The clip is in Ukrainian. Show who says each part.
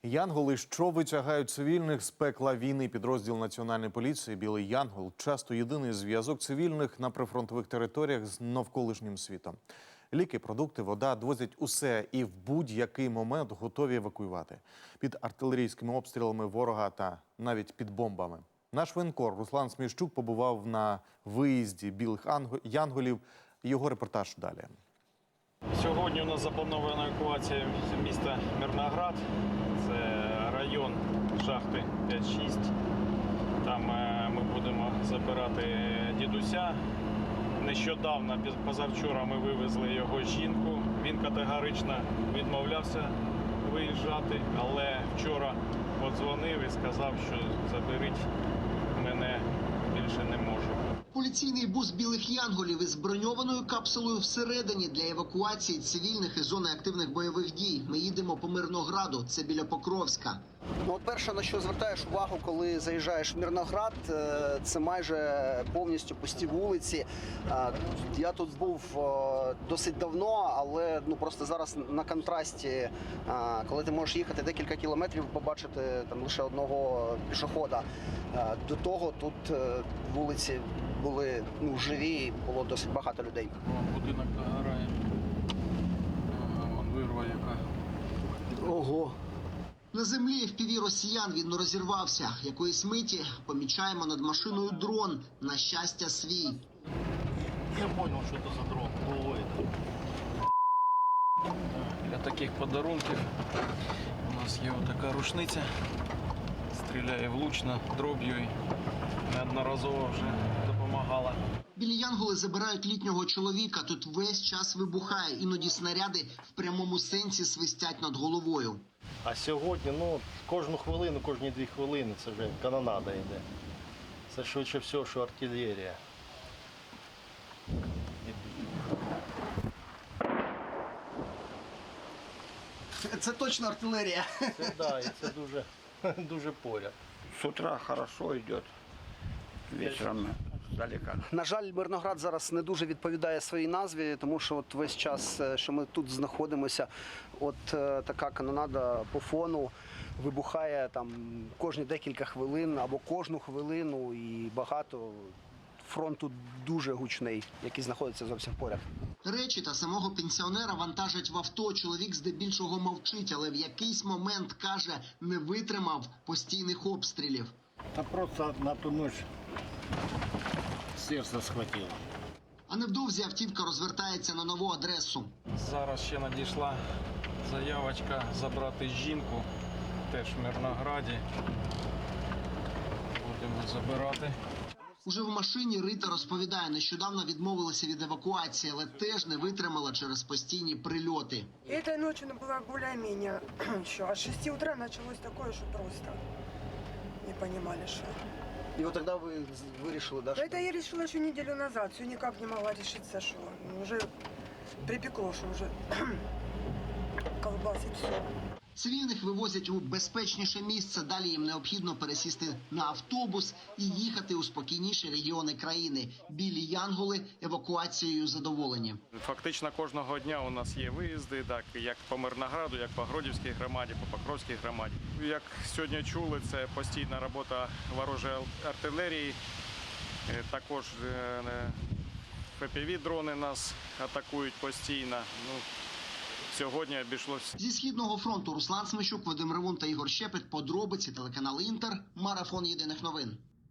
Speaker 1: Янголи, що витягають цивільних з пекла війни. Підрозділ Національної поліції «Білий Янгол» часто єдиний зв'язок цивільних на прифронтових територіях з навколишнім світом. Ліки, продукти, вода довозять усе і в будь-який момент готові евакуювати. Під артилерійськими обстрілами ворога та навіть під бомбами. Наш воєнкор Руслан Сміщук побував на виїзді «Білих Янголів». Його репортаж далі.
Speaker 2: Сьогодні у нас запланована евакуація міста Мирноград. Це район шахти 5-6. Там ми будемо забирати дідуся. Нещодавно, позавчора, ми вивезли його жінку. Він категорично відмовлявся виїжджати, але вчора подзвонив і сказав, що заберіть мене, більше не можу.
Speaker 3: Поліційний бус «Білих Янголів» із броньованою капсулою всередині для евакуації цивільних із зони активних бойових дій. Ми їдемо по Мирнограду, це біля Покровська.
Speaker 4: От перше, на що звертаєш увагу, коли заїжджаєш в Мирноград, це майже повністю пусті вулиці. Я тут був досить давно, але просто зараз на контрасті, коли ти можеш їхати декілька кілометрів, побачити там лише одного пішохода. До того тут вулиці були живі, і було досить багато людей.
Speaker 2: Будинок догорає. Вон вирва яка.
Speaker 4: Ого!
Speaker 3: На землі FPV росіян він розірвався. Якоїсь миті помічаємо над машиною дрон. На щастя, свій.
Speaker 2: Я зрозумів, що це за дрон. Для таких подарунків у нас є така рушниця. Стріляє влучно, дроб'ю і неодноразово вже допомагала.
Speaker 3: Білі Янголи забирають літнього чоловіка. Тут весь час вибухає. Іноді снаряди в прямому сенсі свистять над головою.
Speaker 5: А сьогодні, кожну хвилину, кожні 2 хвилини це вже канонада йде. Це швидше всього, що артилерія.
Speaker 4: Це точно артилерія.
Speaker 5: Це, да, і це дуже, дуже поряд.
Speaker 6: С утра хорошо идет, вечером далеко.
Speaker 4: На жаль, Мирноград зараз не дуже відповідає своїй назві, тому що от весь час, що ми тут знаходимося, така канонада по фону вибухає там кожні декілька хвилин або кожну хвилину, і багато. Фронт тут дуже гучний, який знаходиться зовсім поряд.
Speaker 3: Речі та самого пенсіонера вантажать в авто. Чоловік здебільшого мовчить, але в якийсь момент, каже, не витримав постійних обстрілів.
Speaker 6: Да просто на ту ночь сердце схватило.
Speaker 3: А невдовзі автівка розвертається на нову адресу.
Speaker 2: Зараз ще надійшла заявочка забрати жінку, теж в Мирнограді. Будемо забирати.
Speaker 3: Уже в машині Рита розповідає, нещодавно відмовилася від евакуації, але теж не витримала через постійні прильоти.
Speaker 7: Этой ночью была более-менее еще. А с 6 утра началось такое, что просто не понимали, что.
Speaker 4: І от тоді ви вирішили, да?
Speaker 7: Это я решила еще неделю назад. Все никак не могла решиться, что уже припекло, что уже колбасит все.
Speaker 3: Цивільних вивозять у безпечніше місце. Далі їм необхідно пересісти на автобус і їхати у спокійніші регіони країни. Білі Янголи евакуацією задоволені.
Speaker 2: Фактично кожного дня у нас є виїзди, так, як по Мирнограду, як по Гродівській громаді, по Покровській громаді. Як сьогодні чули, це постійна робота ворожої артилерії. Також FPV-дрони нас атакують постійно. Сьогодні обійшлося.
Speaker 3: Зі Східного фронту Руслан Сміщук, Вадим Ревун та Ігор Щепет. Подробиці, телеканал Інтер. Марафон єдиних новин.